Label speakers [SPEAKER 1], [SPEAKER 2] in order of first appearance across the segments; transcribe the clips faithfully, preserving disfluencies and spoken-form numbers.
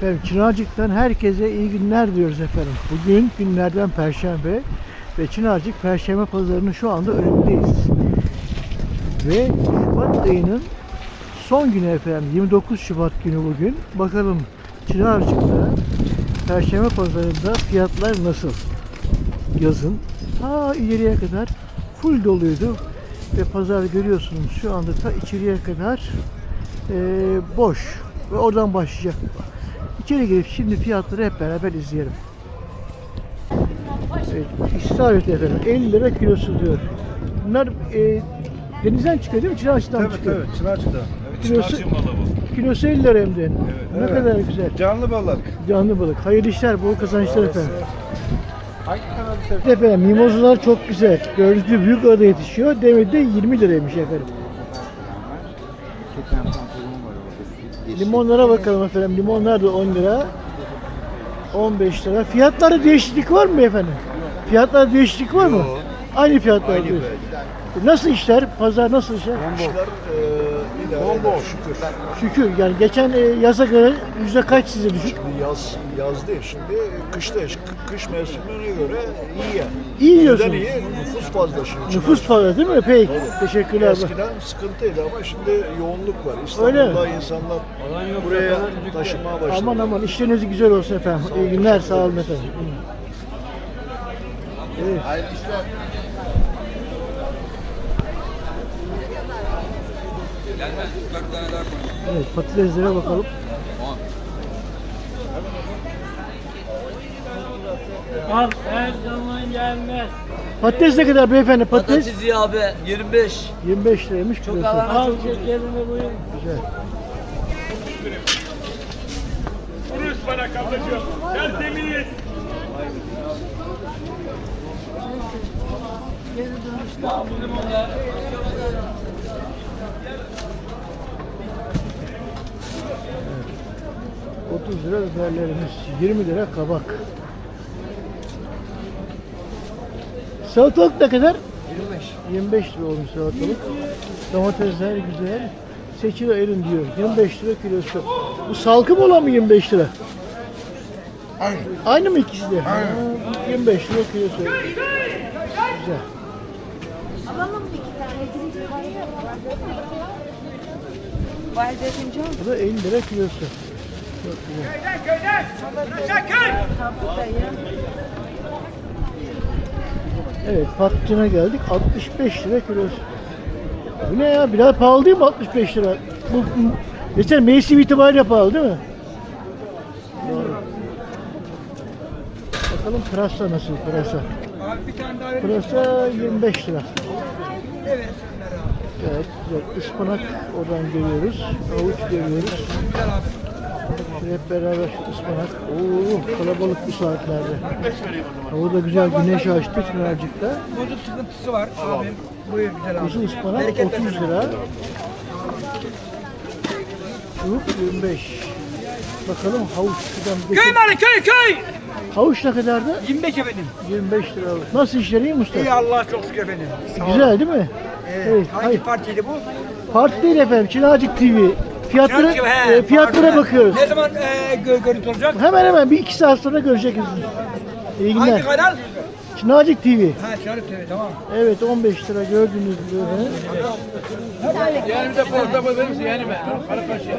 [SPEAKER 1] Efendim Çınarcık'tan herkese iyi günler diyoruz efendim. Bugün günlerden Perşembe ve Çınarcık Perşembe Pazarı'nın şu anda önündeyiz. Ve Şubat ayının son günü efendim, yirmi dokuz Şubat günü bugün. Bakalım Çınarcık'ta Perşembe Pazarı'nda fiyatlar nasıl? Yazın ta ileriye kadar full doluydu ve pazar görüyorsunuz şu anda ta içeriye kadar e, boş ve oradan başlayacak. İçeri girip şimdi fiyatları hep beraber izleyelim. Evet, istavrit efendim elli lira kilosu diyor. Bunlar e, denizden çıkıyor değil mi? Çınarcık'tan
[SPEAKER 2] tabii,
[SPEAKER 1] çıkıyor.
[SPEAKER 2] Tabii Çınarcık'tan. Evet,
[SPEAKER 1] Kilosu,
[SPEAKER 2] Çınarcık balığı bu.
[SPEAKER 1] kilosu elli lira hem de.
[SPEAKER 2] Evet,
[SPEAKER 1] Ne
[SPEAKER 2] evet.
[SPEAKER 1] kadar güzel.
[SPEAKER 2] Canlı balık.
[SPEAKER 1] Canlı balık. Hayırlı işler, bol kazançlar efendim.
[SPEAKER 2] Hangi kanalı seviyorsun?
[SPEAKER 1] Efendim mimozalar çok güzel. Gördüğünüz gibi büyük arada yetişiyor. Demedi de yirmi liraymış efendim. Limonlara bakalım efendim. Limonlar da on lira. on beş lira. Fiyatlarda değişiklik var mı efendim? Fiyatlarda değişiklik var mı?
[SPEAKER 2] Yok.
[SPEAKER 1] Aynı fiyatlar
[SPEAKER 2] Aynı
[SPEAKER 1] diyor.
[SPEAKER 2] böyle.
[SPEAKER 1] Nasıl işler? Pazar nasıl işler?
[SPEAKER 2] İşler e, idare eder, şükür.
[SPEAKER 1] Şükür. Yani geçen e, yaza göre yüzde kaç size düşük?
[SPEAKER 2] Şimdi yaz, yaz değil, şimdi kıştayız. K- Kış mevsimine göre iyi yani.
[SPEAKER 1] İyi diyorsun.
[SPEAKER 2] Neden iyi? Nüfus fazla şimdi.
[SPEAKER 1] Nüfus fazla değil mi? Peki. Teşekkürler.
[SPEAKER 2] Eskiden sıkıntıydı ama şimdi yoğunluk var.
[SPEAKER 1] Öyle mi?
[SPEAKER 2] İstanbul'da insanlar buraya taşınmaya başladı.
[SPEAKER 1] Aman aman işleriniz güzel olsun efendim. İyi günler, sağ olun efendim. Evet. Evet, patateslere bakalım.
[SPEAKER 3] Al her zaman gelmez.
[SPEAKER 1] Patates ne kadar beyefendi? Patates
[SPEAKER 4] Patates ya abi yirmi beş.
[SPEAKER 1] yirmi beş liraymış
[SPEAKER 4] Çok
[SPEAKER 1] kilosu.
[SPEAKER 4] alan-
[SPEAKER 3] Al şekerini buyur.
[SPEAKER 1] Güzel.
[SPEAKER 5] Kuruş bana kablacığım. Gel temiz.
[SPEAKER 1] otuz lira biberlerimiz, yirmi lira kabak. Salatalık ne kadar? yirmi beş. yirmi beş lira olmuş salatalık. Domatesler güzel. Seçil erin diyor. yirmi beş lira kilosu. Bu salkım olan mı yirmi beş lira? Aynı. Aynı mı ikisi de? Aynı. yirmi beş lira kilosu. Güzel.
[SPEAKER 6] Alalım bir iki tane. Birinci kayıyor. Vay dedim
[SPEAKER 1] Bu da elli lira kilosu. Çok güzel.
[SPEAKER 5] Köyden köyden. Aşağı köy.
[SPEAKER 1] Evet, patlıcana geldik. altmış beş lira kilosu. Bu ne ya? Biraz pahalı değil mi altmış beş lira? Bu, bu geçen mevsim itibariyle pahalı değil mi? Doğru. Bakalım pırasa nasıl pırasa? Pırasa yirmi beş lira. Evet. Evet, güzel. Ispanak oradan görüyoruz. Havuç görüyoruz. Şöyle hep beraber şu ıspanak. Oo, kalabalık bu saatlerde. Hava da güzel, güneş açtı Çınarcık'ta.
[SPEAKER 7] Bozuk sıkıntısı var abim. Buyur güzel abi.
[SPEAKER 1] Uzun ıspanak otuz lira. Çubuk yirmi beş. Bakalım havuç şuradan bir
[SPEAKER 7] Köy malı köy köy.
[SPEAKER 1] havuç ne kadardı?
[SPEAKER 7] yirmi beş efendim.
[SPEAKER 1] yirmi beş lira havuç. Nasıl işler iyi mi usta?
[SPEAKER 7] İyi Allah çok şükür efendim. Sağ olun.
[SPEAKER 1] Güzel değil mi?
[SPEAKER 7] Ee,
[SPEAKER 1] Evet,
[SPEAKER 7] hangi
[SPEAKER 1] hayır.
[SPEAKER 7] partiydi bu?
[SPEAKER 1] Parti değil efendim, Çınarcık T V. Fiyatlara,
[SPEAKER 7] Çarşı, he,
[SPEAKER 1] e, fiyatlara
[SPEAKER 7] pardon.
[SPEAKER 1] bakıyoruz.
[SPEAKER 7] Ne zaman e, gör, görüntü olacak?
[SPEAKER 1] Hemen hemen bir iki saat sonra göreceksiniz. İyi
[SPEAKER 7] Hangi
[SPEAKER 1] günler.
[SPEAKER 7] kanal?
[SPEAKER 1] Çınarcık T V.
[SPEAKER 7] Ha Çarşı T V tamam.
[SPEAKER 1] Evet on beş lira gördüğünüz gibi.
[SPEAKER 5] Yani de porta verir yani ben. Para kaçıyor.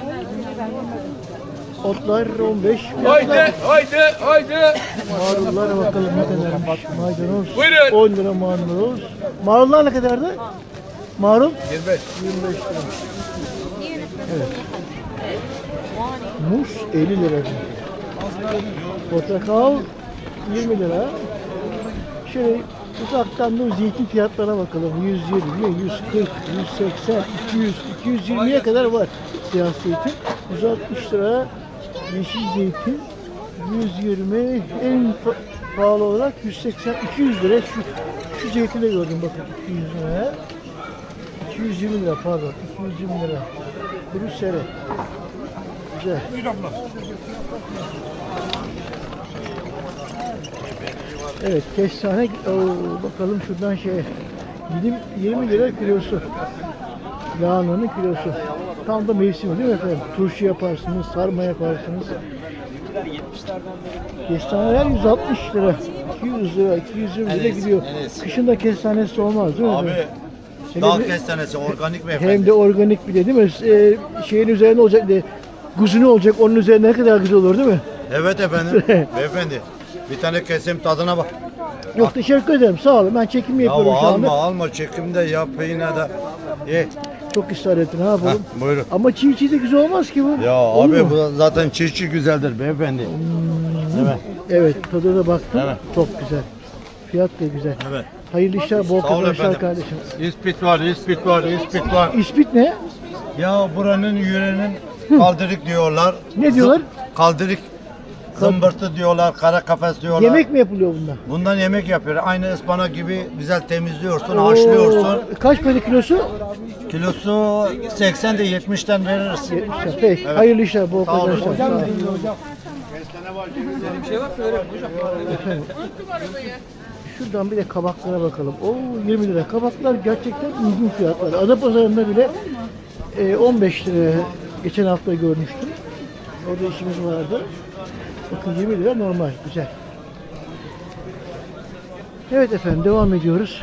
[SPEAKER 1] Otlar on beş.
[SPEAKER 5] Haydi
[SPEAKER 1] Fiyatlar.
[SPEAKER 5] haydi haydi.
[SPEAKER 1] Marullara bakalım ne kadarmış. Maydanoz
[SPEAKER 5] Buyurun.
[SPEAKER 1] on lira maydanoz. Marullar ne kadardı? Marul?
[SPEAKER 5] yirmi beş.
[SPEAKER 1] yirmi beş lira. Evet. Muz elli lira. Portakal yirmi lira. Şöyle uzaktan da zeytin fiyatlarına bakalım. yüz yirmi, yüz kırk, yüz seksen, iki yüz, iki yüz yirmiye kadar var siyah zeytin. yüz altmış lira yeşil zeytin. yüz yirmi en pa- pahalı olarak yüz seksen, iki yüz lira şu şu zeytini de gördüm bakın iki yüz lira. iki yüz yirmi lira pardon. iki yüz yirmi lira. Kuru sere. Güzel. Evet kestane. Oo, bakalım şuradan şey. yirmi, yirmi lira kilosu. Lahananın kilosu. Tam da mevsimi değil mi efendim? Turşu yaparsınız, sarma yaparsınız. Kestaneler yüz altmış lira, iki yüz lira, iki yüz yirmi lira gidiyor. Kışın da kestanesi olmaz değil mi?
[SPEAKER 4] Abi
[SPEAKER 1] efendim?
[SPEAKER 4] dağ
[SPEAKER 1] Hele bir-
[SPEAKER 4] kestanesi organik mi
[SPEAKER 1] Hem
[SPEAKER 4] efendim?
[SPEAKER 1] de organik bir de değil mi? Ee, şeyin üzerine olacak de kuzunu olacak, onun üzerine ne kadar güzel olur değil mi?
[SPEAKER 4] Evet efendim. Beyefendi bir tane keseyim tadına bak.
[SPEAKER 1] Yok teşekkür ederim, sağ olun. Ben çekim
[SPEAKER 4] Ya
[SPEAKER 1] yapıyorum şu anda.
[SPEAKER 4] alma alma çekimde yap yine de. Ye.
[SPEAKER 1] Çok ısrar ettin, ne yapalım?
[SPEAKER 4] Heh, buyurun.
[SPEAKER 1] Ama çiğ çiğ de güzel olmaz ki bu.
[SPEAKER 4] Ya
[SPEAKER 1] Olur
[SPEAKER 4] abi
[SPEAKER 1] mu?
[SPEAKER 4] bu zaten çiğ çiğ güzeldir beyefendi. Değil mi?
[SPEAKER 1] Evet, tadına baktım.
[SPEAKER 4] Evet.
[SPEAKER 1] Çok güzel. Fiyat da güzel.
[SPEAKER 4] Evet.
[SPEAKER 1] Hayırlı işler, bol
[SPEAKER 4] Sağ olun
[SPEAKER 1] kazançlar
[SPEAKER 4] efendim.
[SPEAKER 1] kardeşim.
[SPEAKER 4] İspit var, ispit var, ispit var.
[SPEAKER 1] İspit ne?
[SPEAKER 4] Ya buranın yüreğinin kaldırık diyorlar.
[SPEAKER 1] Ne diyorlar?
[SPEAKER 4] Zı- Kaldırık. Zımbırtı diyorlar, kara kafes diyorlar.
[SPEAKER 1] Yemek mi yapılıyor bundan?
[SPEAKER 4] Bundan yemek yapıyor. Aynı ıspanak gibi güzel temizliyorsun, haşlıyorsun.
[SPEAKER 1] Oo, kaç para kilosu?
[SPEAKER 4] Kilosu seksen de yetmişten veririz.
[SPEAKER 1] yetmiş lira. Peki, hayırlı işler, bol
[SPEAKER 4] Sağ olun.
[SPEAKER 1] kazançlar. Sağ olun.
[SPEAKER 7] Bir şey varsa öyle hocam.
[SPEAKER 1] Efendim, şuradan bir de kabaklara bakalım. Oo, yirmi lira. Kabaklar gerçekten uygun fiyatlar. Adapazarı'nda bile e, on beş lira geçen hafta görmüştüm. Orada işimiz vardı. Bakın yirmi lira normal, güzel. Evet efendim, devam ediyoruz.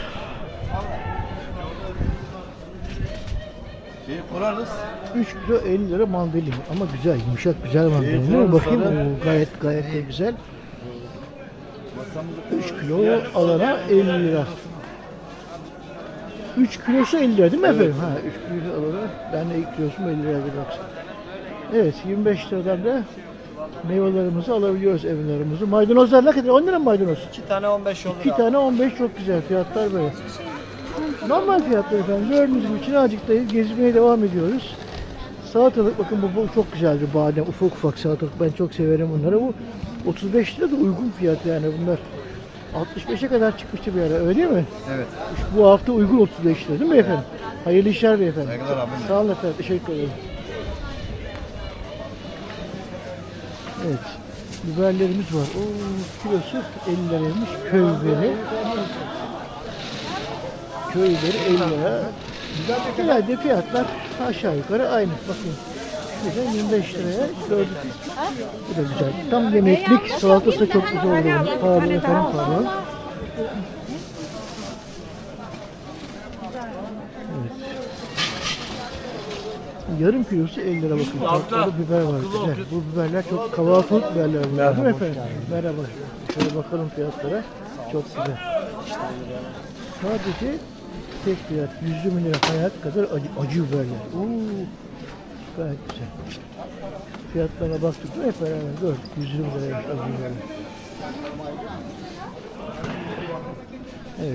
[SPEAKER 4] Şeyi kurarız.
[SPEAKER 1] üç kilo elli lira mandalina ama güzel, yumuşak güzel mandalina değil mi? Bakayım, oo, gayet gayet de güzel. üç kilo alana elli lira. üç kilosu elli lira değil mi efendim? Ha, üç kilo alana ben de ilk kilosum elli lira baksana. Evet, yirmi beş liradan da meyvelerimizi alabiliyoruz, evlerimizi. Maydanozlar ne kadar? on lira mı maydanoz?
[SPEAKER 8] İki tane on beş olur.
[SPEAKER 1] İki tane on beş, çok güzel fiyatlar böyle. Normal fiyatlar efendim. Gördüğünüz gibi Çınarcık'tayız. Gezmeye devam ediyoruz. Salatalık bakın bu, bu çok güzeldir. Badem ufak ufak salatalık. Ben çok severim bunları. Bu otuz beş lira da uygun fiyat yani bunlar. altmış beşe kadar çıkmıştı bir ara, öyle değil mi?
[SPEAKER 4] Evet.
[SPEAKER 1] Bu hafta uygun otuz beş lira değil mi efendim? Hayırlı işler beyefendi.
[SPEAKER 4] Saygılar abim.
[SPEAKER 1] Sağ olun efendim. Teşekkür ederim. Evet. Biberlerimiz var. Oo, kilosu elli liraymış. Köy biberi. Köy biberi elli lira. Güzel de fiyatlar aşağı yukarı aynı. Bakın. Şurada yirmi beş liraya gördük. Bu da güzel. Tam yemeklik. Salatası da çok güzel oluyor. Pardon efendim, pardon. Yarım kilosu elli lira bakın. Orada biber var. Güzel. Bu biberler çok kahvaltılık biberler bunlar değil mi efendim? Merhaba. Şöyle bakalım fiyatlara. Çok güzel. Sadece tek fiyat yüz yirmi lira, hayat kadar acı, acı biberler. Oo, gayet güzel. Fiyatlarına baktık mı hep beraber gördük. yüz yirmi liraymış acı biberler. Evet.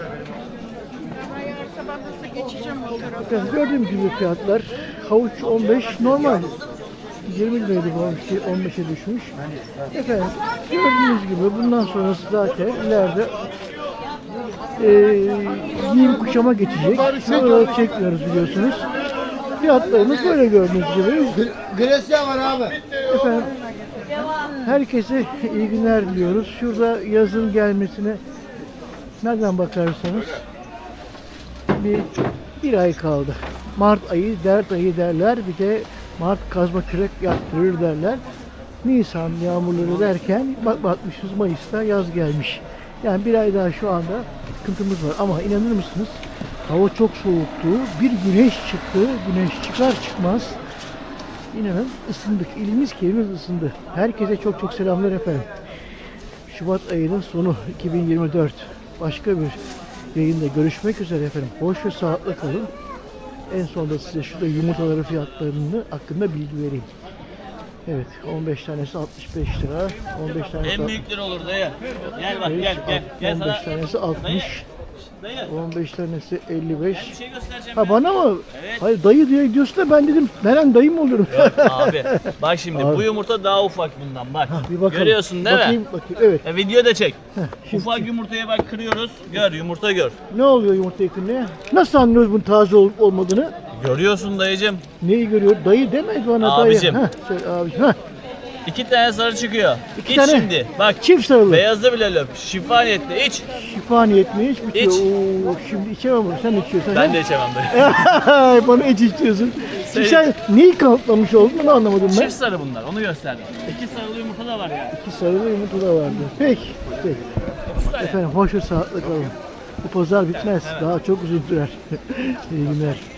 [SPEAKER 1] Bakın gördüğüm gibi fiyatlar havuç on beş normal yirmi liraydı bu havuç on beşe düşmüş. Efendim gördüğünüz gibi bundan sonrası zaten ileride e, giyim kuşama geçecek. Şuraları çekmiyoruz biliyorsunuz. Fiyatlarımız böyle gördüğünüz gibi.
[SPEAKER 4] Gresya var abi.
[SPEAKER 1] Efendim herkese iyi günler diliyoruz. Şurada yazın gelmesine nereden bakarsanız bir, bir ay kaldı. Mart ayı, dert ayı derler. Bir de Mart kazma kürek yaptırır derler. Nisan yağmurları derken bak bakmışız Mayıs'ta yaz gelmiş. Yani bir ay daha şu anda sıkıntımız var. Ama inanır mısınız? Hava çok soğuktu. Bir güneş çıktı. Güneş çıkar çıkmaz İnanın ısındık. İlimiz kelimiz ısındı. Herkese çok çok selamlar efendim. Şubat ayının sonu iki bin yirmi dört. Başka bir yayında görüşmek üzere efendim. Hoş ve sağlıklı kalın. En sonunda size şurada yumurtaları fiyatlarını hakkında bilgi vereyim. Evet, on beş tanesi altmış beş lira. on beş tanesi
[SPEAKER 8] En büyükleri olur dayı. Gel bak gel gel. Gel
[SPEAKER 1] on beş
[SPEAKER 8] sana.
[SPEAKER 1] tanesi altmış.
[SPEAKER 8] Dayı.
[SPEAKER 1] on beş tanesi elli beş.
[SPEAKER 8] Bir şey göstereceğim.
[SPEAKER 1] Ha
[SPEAKER 8] ya.
[SPEAKER 1] bana mı?
[SPEAKER 8] Evet.
[SPEAKER 1] Hayır dayı diye diyorsun da ben dedim Meren dayı mı olurum?
[SPEAKER 8] Abi bak şimdi
[SPEAKER 1] Abi.
[SPEAKER 8] bu yumurta daha ufak bundan bak.
[SPEAKER 1] Bir bakalım.
[SPEAKER 8] Görüyorsun değil
[SPEAKER 1] bakayım,
[SPEAKER 8] mi?
[SPEAKER 1] Bakayım evet.
[SPEAKER 8] E, video da çek.
[SPEAKER 1] şimdi-
[SPEAKER 8] Ufak yumurtaya bak kırıyoruz. Gör yumurta gör.
[SPEAKER 1] Ne oluyor yumurta yakınlığı? Nasıl anlıyoruz bunun taze olup olmadığını?
[SPEAKER 8] Görüyorsun dayıcım.
[SPEAKER 1] Neyi görüyor? Dayı demez bana
[SPEAKER 8] Abicim.
[SPEAKER 1] dayı. Heh, söyle abicim. Heh.
[SPEAKER 8] İki tane sarı çıkıyor.
[SPEAKER 1] İki
[SPEAKER 8] İç
[SPEAKER 1] tane.
[SPEAKER 8] şimdi. Bak
[SPEAKER 1] Çift sarılı.
[SPEAKER 8] beyazı bile löp. Şifa niyetli. İç.
[SPEAKER 1] Şifa niyetine iç bitiyor.
[SPEAKER 8] İç.
[SPEAKER 1] Oo, şimdi içemem bunu. Sen içiyorsan.
[SPEAKER 8] Ben de içemem böyle.
[SPEAKER 1] Bana iç istiyorsun. Şimdi
[SPEAKER 8] Sen-
[SPEAKER 1] sen neyi kanıtlamış oldun onu anlamadım ben.
[SPEAKER 8] Çift sarı bunlar. Onu gösterdim. İki sarılı yumurta da var yani.
[SPEAKER 1] İki sarılı yumurta da vardı. Peki. Peki. Efendim hoş ve sağlıklı kalın. Bu pazar bitmez. Daha çok uzun sürer. İyi günler.